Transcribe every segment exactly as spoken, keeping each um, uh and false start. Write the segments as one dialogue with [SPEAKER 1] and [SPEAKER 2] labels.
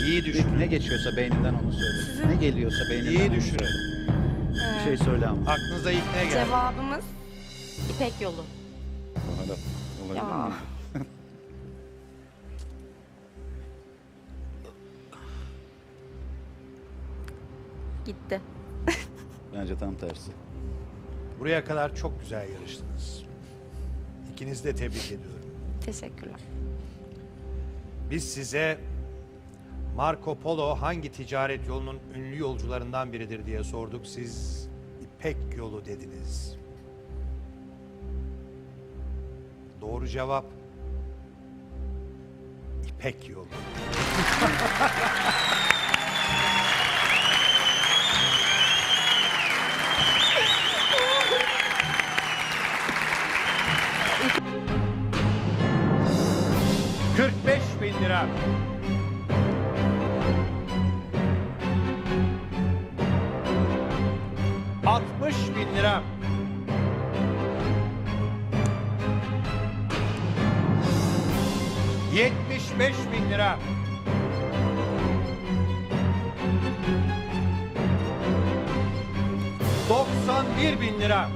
[SPEAKER 1] İyi düşünün.
[SPEAKER 2] Ne geçiyorsa beyninden onu söyle. Ne geliyorsa beyninden
[SPEAKER 1] İyi
[SPEAKER 2] onu
[SPEAKER 1] düşünün.
[SPEAKER 2] söyle. Bir şey söyle ama.
[SPEAKER 1] Aklınıza ilk ne geldi?
[SPEAKER 3] Cevabımız İpek Yolu.
[SPEAKER 2] Olabilir
[SPEAKER 3] Ya.
[SPEAKER 2] mi?
[SPEAKER 3] Gitti.
[SPEAKER 2] Bence tam tersi.
[SPEAKER 1] Buraya kadar çok güzel yarıştınız. İkinizi de tebrik ediyorum.
[SPEAKER 3] Teşekkürler.
[SPEAKER 1] Biz size Marco Polo hangi ticaret yolunun ünlü yolcularından biridir diye sorduk. Siz İpek Yolu dediniz. Doğru cevap İpek Yolu. kırk beş bin lira. altmış bin lira. yetmiş beş bin lira. doksan bir bin lira.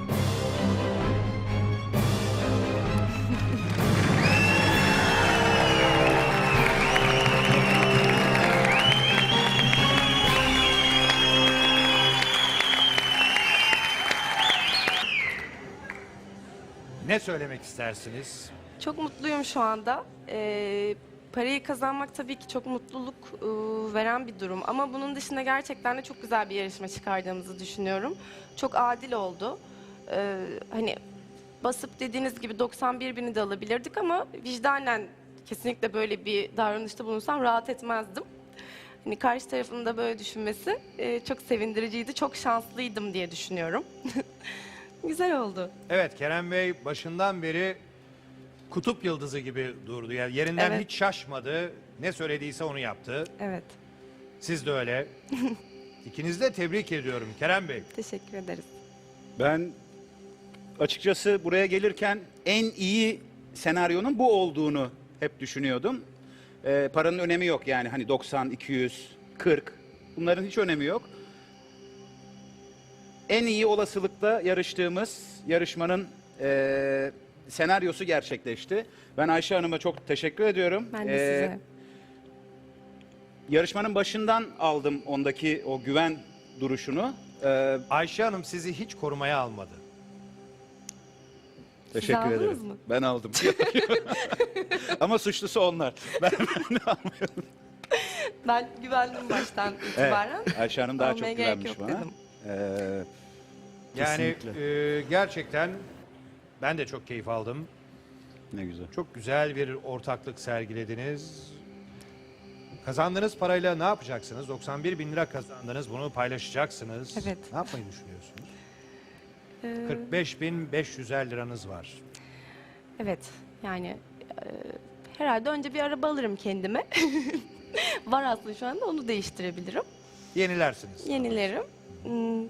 [SPEAKER 1] Ne söylemek istersiniz?
[SPEAKER 3] Çok mutluyum şu anda. Ee, parayı kazanmak tabii ki çok mutluluk e, veren bir durum. Ama bunun dışında gerçekten de çok güzel bir yarışma çıkardığımızı düşünüyorum. Çok adil oldu. Ee, hani basıp dediğiniz gibi doksan bir bini de alabilirdik ama vicdanen kesinlikle böyle bir davranışta bulunsam rahat etmezdim. Hani karşı tarafın da böyle düşünmesi e, çok sevindiriciydi. Çok şanslıydım diye düşünüyorum. Güzel oldu.
[SPEAKER 1] Evet, Kerem Bey başından beri kutup yıldızı gibi durdu. Yani yerinden
[SPEAKER 3] Evet.
[SPEAKER 1] hiç şaşmadı. Ne söylediyse onu yaptı.
[SPEAKER 3] Evet.
[SPEAKER 1] Siz de öyle. İkinizi de tebrik ediyorum Kerem Bey.
[SPEAKER 3] Teşekkür ederiz.
[SPEAKER 2] Ben açıkçası buraya gelirken en iyi senaryonun bu olduğunu hep düşünüyordum. Ee, paranın önemi yok yani hani doksan, iki yüz, kırk bunların hiç önemi yok. En iyi olasılıkla yarıştığımız yarışmanın eee, senaryosu gerçekleşti. Ben Ayşe Hanım'a çok teşekkür ediyorum.
[SPEAKER 3] Ben de
[SPEAKER 2] Ee,
[SPEAKER 3] size.
[SPEAKER 2] Yarışmanın başından aldım ondaki o güven duruşunu. Ee,
[SPEAKER 1] Ayşe Hanım sizi hiç korumaya almadı.
[SPEAKER 2] teşekkür
[SPEAKER 3] aldınız
[SPEAKER 2] ederim.
[SPEAKER 3] mı?
[SPEAKER 2] Ben aldım. Ama suçlusu onlar. Ben, ben almıyorum.
[SPEAKER 3] Ben güvendim baştan itibaren.
[SPEAKER 2] Evet, Ayşe Hanım daha
[SPEAKER 3] Almaya
[SPEAKER 2] çok
[SPEAKER 3] gerek
[SPEAKER 2] güvenmiş
[SPEAKER 3] yok
[SPEAKER 2] bana.
[SPEAKER 3] dedim.
[SPEAKER 2] Ee,
[SPEAKER 1] Yani
[SPEAKER 2] Kesinlikle.
[SPEAKER 1] e, gerçekten ben de çok keyif aldım.
[SPEAKER 2] ne güzel.
[SPEAKER 1] Çok güzel bir ortaklık sergilediniz. Kazandığınız parayla ne yapacaksınız? doksan bir bin lira kazandınız. Bunu paylaşacaksınız.
[SPEAKER 3] Evet.
[SPEAKER 1] Ne yapmayı düşünüyorsunuz?
[SPEAKER 3] Ee,
[SPEAKER 1] kırk beş bin beş yüz liranız var.
[SPEAKER 3] evet, yani e, herhalde önce bir araba alırım kendime. Var aslında şu anda, onu değiştirebilirim.
[SPEAKER 1] Yenilersiniz.
[SPEAKER 3] Yenilerim. Hmm.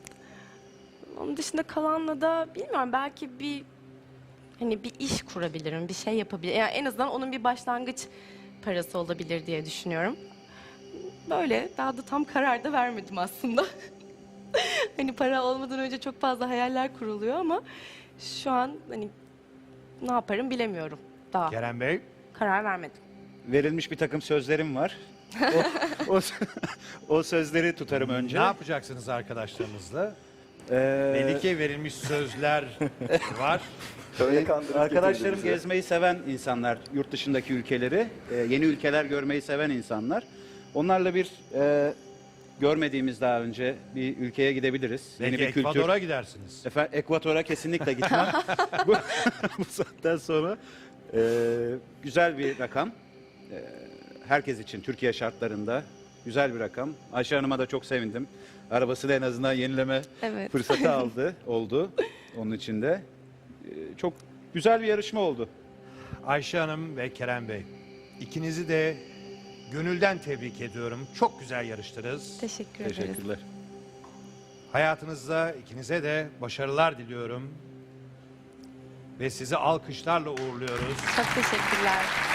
[SPEAKER 3] Onun dışında kalanla da bilmiyorum, belki bir hani bir iş kurabilirim, bir şey yapabilirim. Yani en azından onun bir başlangıç parası olabilir diye düşünüyorum. Böyle daha da tam karar da vermedim aslında. Hani para olmadan önce çok fazla hayaller kuruluyor ama şu an hani ne yaparım bilemiyorum daha.
[SPEAKER 1] Kerem Bey,
[SPEAKER 3] Karar vermedim.
[SPEAKER 2] Verilmiş bir takım sözlerim var. O, o, o sözleri tutarım önce.
[SPEAKER 1] ne yapacaksınız arkadaşlarınızla?
[SPEAKER 2] Ee,
[SPEAKER 1] Melike verilmiş sözler var.
[SPEAKER 2] Ee, Arkadaşlarım gezmeyi seven insanlar, yurt dışındaki ülkeleri, e, yeni ülkeler görmeyi seven insanlar. Onlarla bir e, görmediğimiz daha önce bir ülkeye gidebiliriz.
[SPEAKER 1] Belki
[SPEAKER 2] yeni bir kültür.
[SPEAKER 1] Ekvador'a gidersiniz.
[SPEAKER 2] Efendim, Ekvator'a kesinlikle gitmem. bu, bu saatten sonra e, güzel bir rakam. E, herkes için Türkiye şartlarında güzel bir rakam. Ayşe Hanım'a da çok sevindim. Arabasını en azından yenileme
[SPEAKER 3] Evet.
[SPEAKER 2] fırsatı aldı, oldu onun için de. E, çok güzel bir yarışma oldu.
[SPEAKER 1] Ayşe Hanım ve Kerem Bey, ikinizi de gönülden tebrik ediyorum. Çok güzel yarıştınız.
[SPEAKER 3] Teşekkür ederiz.
[SPEAKER 2] Teşekkürler.
[SPEAKER 1] Hayatınızda ikinize de başarılar diliyorum. Ve sizi alkışlarla uğurluyoruz.
[SPEAKER 3] Çok teşekkürler.